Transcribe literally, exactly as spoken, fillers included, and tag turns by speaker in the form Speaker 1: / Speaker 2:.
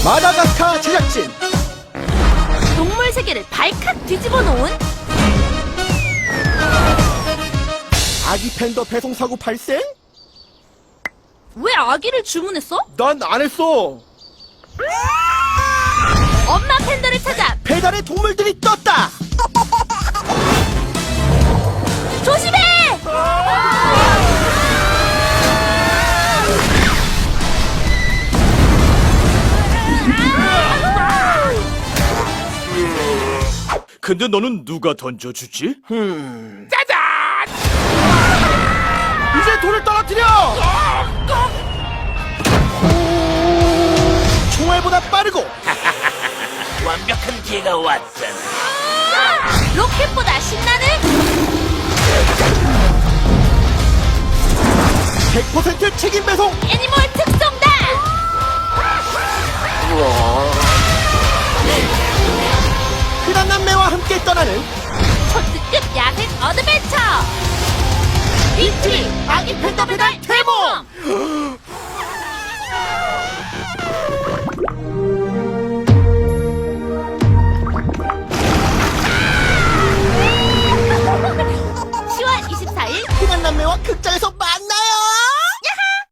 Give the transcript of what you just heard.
Speaker 1: 마다가스카 제작진
Speaker 2: 동물 세계를 발칵 뒤집어 놓은
Speaker 1: 아기 팬더 배송 사고 발생?
Speaker 2: 왜 아기를 주문했어?
Speaker 1: 난 안 했어.
Speaker 2: 엄마 팬더를 찾아
Speaker 1: 배달의 동물들이 떴다.
Speaker 2: 조심해!
Speaker 3: 근데 너는 누가 던져주지?
Speaker 1: 음.
Speaker 3: 짜잔!
Speaker 1: 이제 돌을 떨어뜨려. 총알보다 빠르고
Speaker 3: 완벽한 기회가 왔잖아.
Speaker 2: 로켓보다 신나는
Speaker 1: 백 퍼센트 책임 배송.
Speaker 2: 애니멀 특송단!
Speaker 1: 흔한 남매와 함께 떠나는
Speaker 2: 초특급 야생 어드벤처! 빅트리 아기 팬더 배달